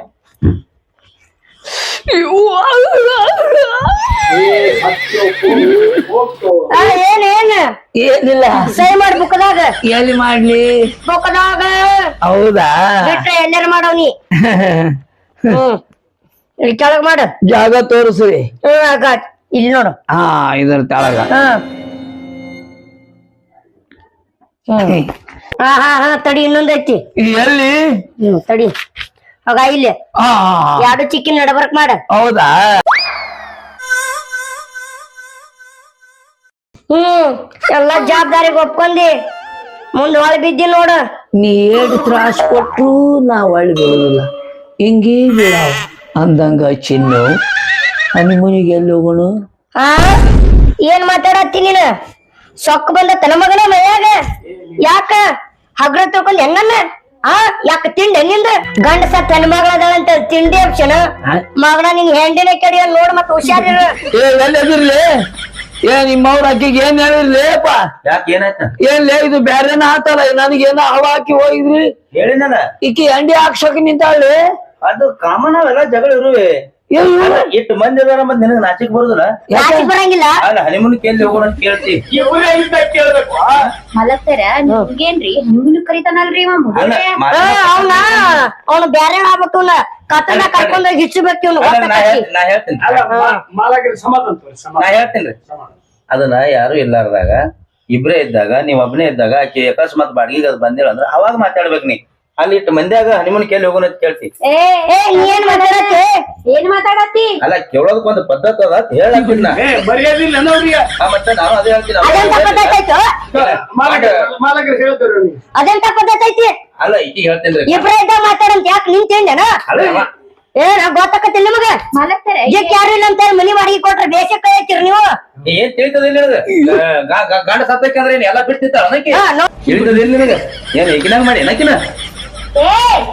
Speaker 4: ಆ, ಏನ್ ಏನ್
Speaker 1: ಏನಿಲ್ಲ
Speaker 4: ಸೈ ಮಾಡಿ ಬುಕ್ಕದಾಗ
Speaker 1: ಎಲ್ಲಿ ಮಾಡ್ಲಿ
Speaker 4: ಬುಕ್ಕದಾಗ
Speaker 1: ಹೌದಾ
Speaker 4: ಬಿಟ್ರೆ ಎಲ್ಲಾರ ಮಾಡವ್ನಿ ಹ್ಮ್ ಇಲ್ಲಿ ಕೆಳಗ್ ಮಾಡು
Speaker 1: ಜಾಗ ತೋರಿಸ್ರಿ
Speaker 4: ಹ್ಮ್ ಆಗಾತ್ ಇಲ್ಲಿ ನೋಡು
Speaker 1: ಹಾ ಇದರ ತೆಳಗ
Speaker 4: ಹಾ ಹ್ಮ್ ಹಾ ಹಾ ಹಾ ತಡಿ ಇನ್ನೊಂದೈತಿ
Speaker 1: ಇದು ಎಲ್ಲಿ
Speaker 4: ಹ್ಮ್ ತಡಿ ಆಗ ಇಲ್ಲಿ
Speaker 1: ಹಾ ಹಾ, ಹಾ.
Speaker 4: ಎರಡು ಚಿಕ್ಕಿನ ನಡಬರ್ಕ್ ಮಾಡ
Speaker 1: ಹೌದಾ
Speaker 4: ಹ್ಮ್ ಎಲ್ಲಾ ಜವಾಬ್ದಾರಿಗೆ ಒಪ್ಕೊಂಡಿ ಮುಂದ್ ಒಳ ಬಿದ್ದಿ ನೋಡ
Speaker 1: ನೀ ಏಟ್ ತ್ರಾಸ್ ಕೊಟ್ರು ನಾ ಒಳ್ಳೆ ಬೀಳುದಿಲ್ಲ ಹಿಂಗೇ ಬೀಳಾವ ಅಂದಂಗ ಚಿನ್ನು ಹನಿಮೂನಿಗೆ ಎಲ್ಲಿ ಹೋಗೋಣ
Speaker 4: ಆ ಏನ್ ಮಾತಾಡತ್ತಿ ನೀನ ಸೊಕ್ಕ ಬಂದ ತನ ಮಗನ ಮೈಯಾಗ ಯಾಕ ಹಗ್ರ ತಿಳ್ಕೊಂಡ್ ಹೆಂಗನ್ನ ಆ ಯಾಕ ತಿಂಡಿ ನಿಂದ ಗಂಡ ಸತ್ ಹೆಣ್ ಮಗಳದಳಂತ ತಿಂಡಿ ಅಪ್ಷನ ಮಗನ ನಿನ್ ಹೆಂಡಿನ ಕಡಿಯ ನೋಡ್ ಮತ್ ಹುಷಾರಿರ
Speaker 1: ಏ ಎಲ್ಲಿರ್ಲಿ ಏ ನಿಮ್ಮವ್ರ ಅಕ್ಕಿಗೆ ಏನ್ ಹೇಳಿರ್ಲಿಪ್ಪ
Speaker 3: ಯಾಕೆ ಏನಾಯ್ತ
Speaker 1: ಏನ್ಲೇ ಇದು ಬ್ಯಾರೇನ ಆತಲ್ಲ ನನಗೇನ ಹವ ಹಾಕಿ ಹೋಗಿದ್ರಿ
Speaker 3: ಹೇಳಿನಲ್ಲ
Speaker 1: ಈಕಿ ಅಂಡಿ ಹಾಕ್ಸಕ್ ನಿಂತಾಳ್ರಿ
Speaker 3: ಅದು ಕಾಮನ್ ಅವೆಲ್ಲ ಜಗಳ ಇರುವೆ
Speaker 1: ಏನ್
Speaker 3: ಇಟ್ಟು ಮಂದಿ ಅದಾರ ಮತ್ ನಿನಗ ನಾಚಿಕ್ ಬರುದಿಲ್ಲ
Speaker 4: ಯಾಕೆ ಬರಂಗಿಲ್ಲ
Speaker 3: ಅಲ್ಲ ಹನಿಮೂನ್ ಕೇಳಿ ಹೋಗೋಣ ಅಂತ ಕೇಳ್ತಿ
Speaker 2: ಕೇಳ್ಬೇಕು
Speaker 5: ಮಲಗ್ತಾರ ನಿಮ್ಗೇನ್ರಿ ನಿಮ್ನು ಕರಿತಾನಲ್ರಿ ಇವ
Speaker 3: ಅಲ್ಲ
Speaker 5: ಮುದುಡೆ
Speaker 3: ಮಾತ್-
Speaker 4: ಅವನ ಅವನು ಬ್ಯಾರೆ ಆಗ್ಬೇಕು ಕತ್ತನ ಕರ್ಕೊಂಡ್ ಹಿಚ್ಚಬೇಕು ಇವ್ನು
Speaker 3: ಅಲ್ಲ, ನಾ ಹೇಳ್- ನಾ ಹೇಳ್ತೀನಿ
Speaker 2: ಅಲ್ಲ ಮಾಲಾಗಿರಿ ಸಮಾಧಾನ ತೋರಿ
Speaker 3: ನಾ
Speaker 2: ಸಮಾಧಾನ
Speaker 3: ಹೇಳ್ತೀನಿ ಅದನ್ನ ಯಾರು ಇಲ್ಲಾರ್ದಾಗ ಇಬ್ರೇ ಇದ್ದಾಗ ನೀವ್ ಒಬ್ನೇ ಇದ್ದಾಗ ಆಕಿ ಅಕಸ್ಮಾತ್ ಬಾಡಿಗೆ ಅದ್ ಬಂದಿಲ್ಲ ಅಂದ್ರ ಅವಾಗ ಮಾತಾಡ್ಬೇಕ್ ನೀ ಅಲ್ಲಿ ಇಟ್ಟು ಮಂದ್ಯಾಗ ಹನಿಮೂನ್ ಕೇಳಿ ಹೋಗೋಣ ಅಂತ ಕೇಳ್ತಿ
Speaker 5: ಏ
Speaker 4: ಏ ನೀ ಏನ್ ಮಾತಾಡತ್ತೆ
Speaker 5: ಏನ್ ಮಾತಾಡತ್ತಿ
Speaker 3: ಅಲ್ಲ ಕೇಳೋದಕ್ ಒಂದು ಪದ್ಧತಿ ಅದ ಅಂತ ಹೇಳಕ್ ನಾ
Speaker 2: ಏ ಮರ್ಯಾದಿಲ್ಲ ನೋಡ್ರಿಗೆ
Speaker 3: ಆ, ಮತ್ತೆ ನಾನು ಅದೇ ಹೇಳ್ತೀನಿ
Speaker 4: ಅದೆಂತ ಪದ್ಧತಿ ಆಯ್ತು
Speaker 2: ಮಾಲಕರು ಮಾಲಕರು ಹೇಳ್ತಾರೆ ನೀವು
Speaker 4: ಅದೆಂತ ಪದ್ಧತಿ ಐತಿ
Speaker 3: ಅಲ್ಲ ಈಕಿ ಹೇಳ್ತೀನಿ
Speaker 4: ಇಬ್ರ ಇದ್ದ ಮಾತಾಡಂತ ಯಾಕೆ ನಿನ್ ತಿಂಡೆನ
Speaker 3: ಅಲ್ಲ ಅವ
Speaker 4: ಏ ನಾ ಗೊತ್ತಾಕತ್ತಿಲ್ಲ ನಿಮಗ
Speaker 5: ಮಲಗ್ತಾರ
Speaker 4: ಜಕ್ ಯಾರು ಇಲ್ಲ ಅಂತ ಮನಿ ಬಾಡಿಗೆ ಕೊಟ್ರೆ ಬೇಸಕ್ಕ ಐತಿರಿ ನೀವು
Speaker 3: ಏನ್ ತಿಳಿತದಿಲ್ಲ ನಿನಗ ಗಂಡ ಸತ್ತಕ್ಕೆ ಏನ್ ಎಲ್ಲ ಬಿಡ್ತಿತ್ತಾಳ ಅನ್ನಕ್ಕೆ
Speaker 4: ಹಾ, ನೋ-
Speaker 3: ತಿಳಿತದಿಲ್ಲ ನಿನಗ ಏನ್ ಈಗಿನಾಗ ಮಾಡಿ ಏನಕಿನ
Speaker 5: ಏ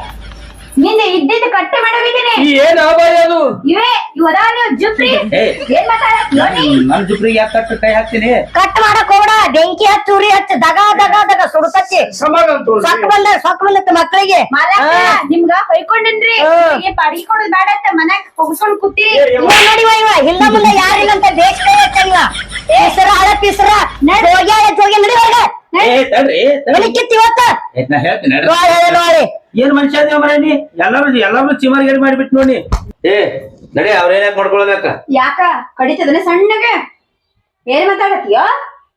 Speaker 5: ನಿಂದ ಇದ್ದಿದ್ದು ಕಟ್ಟೆ ಮಾಡವಿದ್ದೀನಿ
Speaker 1: ಈ ಏನ್ ಅಭಯ ಅದು
Speaker 5: ಇವೇ ಇವದಾವ ನೀವು ಜುಪ್ರಿ
Speaker 3: ಏ
Speaker 5: ಏನ್ ಮಾತಾಡತ್ತಿ ನೋಡಿ
Speaker 3: ನನ್ ಜುಬ್ರಿಗೆ ಯಾಕೆ ಕಟ್ಟು ಕೈ ಹಾಕ್ತೀನಿ
Speaker 4: ಕಟ್ ಮಾಡಕ್ ಹೋಗ್ಬೇಡ ಬೆಂಕಿ ಹಚ್ಚ ಉರಿ ಹಚ್ಚ ದಗ ದಗ ದಗ ಸುಡುಕಚ್ಚಿ
Speaker 2: ಸಮಾಧಾನ ತೋರಿ
Speaker 4: ಸೊಕ್ಕ ಬಂದ ಸೊಕ್ಕ ಬಂದತ್ತ ಮಕ್ಕಳಿಗೆ
Speaker 5: ಮಾಲಕ ನಿಮ್ಗ ಹೊಯ್ಕೊಂಡೇನ್ರಿ
Speaker 4: ಹಾ.
Speaker 5: ಏನ್ ಬಾಡಿಗೆ ಕೊಡೋದ್ ಬೇಡ ಅಂತ ಮನ್ಯಾಗ ಹೋಗಿಸ್ಕೊಂಡ್ ಕೂತಿ
Speaker 4: ಇವ ನೋಡಿವ ಇವ ಹಿಂದ ಮುಂದೆ ಯಾರಿಲ್ಲ ಅಂತ ದೇಶ ಇವ ಹೆಸರ ಹಳ ಪಿಸರ ಹೋಗ್ಯಾಳ ಹೋಗಿ ನಡಿವಾಗ
Speaker 3: ಏ ತಡ್ರಿ ತಡ್ರಿ.
Speaker 4: ಕಿತ್ತಿ ಇವತ್ತ
Speaker 3: ಏ, ನಾ ಹೇಳ್ತೀನಿ ನಡ್ರಿ.
Speaker 4: ನೋಡಿ ನೋಡಿ
Speaker 3: ಏನ್ ಮನುಷ್ಯ ಅದೇವ ಮರ ನೀ ಎಲ್ಲಾರು ಎಲ್ಲಾರು ಚಿಮರ್ಗೇಡಿ ಮಾಡಿಬಿಟ್ಟು ನೋಡಿ ಏ ನಡಿ ಅವ್ರೇನ್ ಯಾಕೆ ಮಾಡ್ಕೊಳ್ಬೇಕ
Speaker 5: ಯಾಕ ಕಡಿತದನ ಸಣ್ಣಗೆ ಏನ್ ಮಾತಾಡತ್ತೀಯೋ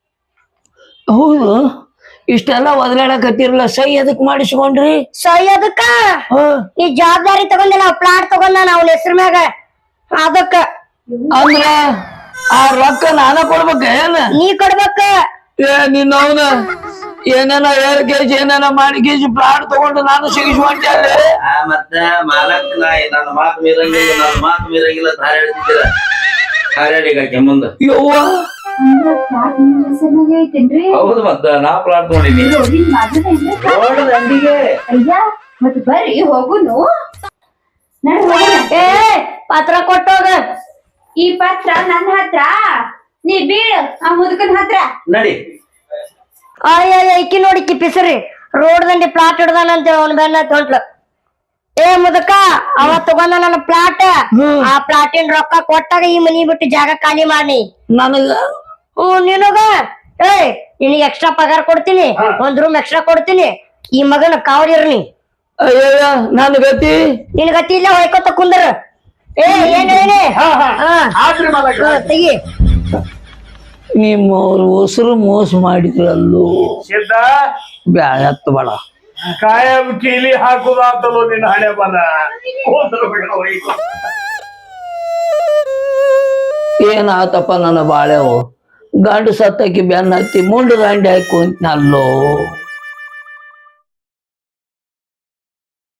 Speaker 1: ಹೌದು ಇಷ್ಟೆಲ್ಲ ಒದಲಾಡಕತ್ತಿರಲ್ಲ ಸೈ ಅದಕ್ ಮಾಡಿಸ್ಕೊಂಡ್ರಿ
Speaker 4: ಸೈ ಅದಕ್ಕ
Speaker 1: ಹ
Speaker 4: ಈ ಜವಾಬ್ದಾರಿ ತಗೊಂಡ ನಾವ್ ಪ್ಲಾಟ್ ತಗೊಂಡ ನಾವ್ ಹೆಸರು ಮ್ಯಾಗ ಅದಕ್ಕ
Speaker 1: ಅಂದ್ರ ಆ ರೊಕ್ಕ ನಾನ ಕೊಡ್ಬೇಕ ಏನ
Speaker 4: ನೀ ಕೊಡ್ಬೇಕ
Speaker 1: ಏ ನಿನ್ನ ಅವನ ಏನೇನ ಏರ್ ಕೆಜಿ ಏನೇನ ಮಾಡಿ ಕೆಜಿ ಪ್ಲಾಟ್ ತಗೊಂಡು ನಾನು ಸಿಗಿಸ್ಕೊಂಡೆ
Speaker 3: ಆ, ಮತ್ತ ಮಾಲಕ್ ನಾ ನನ್ನ ಮಾತು ಮೀರಂಗಿಲ್ಲ ನನ್ನ ಮಾತು ಮೀರಂಗಿಲ್ಲ ಅಂತ ಹಾರಾಡ್ತಿದ್ದೀರ ಹಾರಾಡಿಗಾಕೆ ಮುಂದ
Speaker 1: ಯವ್ವ
Speaker 5: ಅಂದ್ರ ಪ್ಲಾಟ್ ನಿಮ್ ಹೆಸರ್ನಾಗೆ ಐತೇನ್ರಿ
Speaker 3: ಹೌದು ಮತ್ತ ನಾ ಪ್ಲಾಟ್ ತಗೊಂಡಿನಿ
Speaker 5: ರೋಡಿನ್ ಬಾಜುದೇನ್ರಿ
Speaker 3: ರೋಡ್ ದಂಡಿಗೆ
Speaker 5: ಅಯ್ಯ ಮತ್ ಬರ್ರಿ ಹೋಗುನು ನಡ್ ಹೋಗುನ
Speaker 4: ಏ ಪತ್ರ ಕೊಟ್ಟೋಗ
Speaker 5: ಈ ಪತ್ರ ನನ್ನ ಹತ್ರ ನೀ ಬೀಳು ಆ ಮುದುಕನ್ ಹತ್ರ
Speaker 3: ನಡಿ
Speaker 4: ಅಯ್ಯ ಐಕಿ ನೋಡಿ ಕಿಪ್ಪಿಸ್ರಿ ರೋಡ್ ದಂಡಿ ಪ್ಲಾಟ್ ಹಿಡ್ದಾನಂತ ಅವನ್ ಬೆನ್ನ ಹೊಂಟ್ಲು ಏ ಮುದಕ ಅವ ತಗೊಂಡ ನನ್ನ ಪ್ಲಾಟ್ ಆ ಪ್ಲಾಟಿನ ರೊಕ್ಕ ಕೊಟ್ಟಾಗ ಈ ಮನಿ ಬಿಟ್ಟು ಜಾಗ ಖಾಲಿ ಮಾಡಿ
Speaker 1: ನನಗ
Speaker 4: ಹ್ಮ್ ನಿನಗ ಏ ನಿನಗೆ ಎಕ್ಸ್ಟ್ರಾ ಪಗಾರ ಕೊಡ್ತೀನಿ ಒಂದ್ ರೂಮ್ ಎಕ್ಸ್ಟ್ರಾ ಕೊಡ್ತೀನಿ ಈ ಮಗನ ಕಾವಡಿರ್ನಿ
Speaker 1: ಅಯ್ಯಯ್ಯ ನನ್ ಗತಿ
Speaker 4: ನಿನ್ ಗತಿ ಇಲ್ಲ ಹೊಯ್ಕೊತ ಕುಂದ್ರ ಏ ಏನ್ ಹೇಳಿ
Speaker 2: ಹಾ ಹಾ
Speaker 4: ಹಾ
Speaker 2: ಆದ್ರಿ ಮಾಲಕರು
Speaker 4: ಹಾ, ತೆಗಿ
Speaker 1: ನಿಮ್ಮವ್ರು ಉಸಿರು ಮೋಸ ಮಾಡಿದ್ರಲ್ಲೂ
Speaker 2: ಸಿದ್ಧ
Speaker 1: ಬ್ಯಾಳ ಹತ್ತು ಬೇಡ
Speaker 2: ಕಾಯಂ ಕೀಲಿ ಹಾಕುದಾತಲೋ ನಿನ್ನ ಹಣೆ ಬರ ಹೋದ್ರು ಬಿಡು ಹೋಯ್ತು.
Speaker 1: ಏನಾತಪ್ಪ ನನ್ನ ಬಾಳೆವು ಗಂಡು ಸತ್ತಕ್ಕೆ ಬೆನ್ನ ಹತ್ತಿ ಮುಂಡು ದಾಂಡಿ ಹಾಕಿ ಕುಂತ್ನಲ್ಲೋ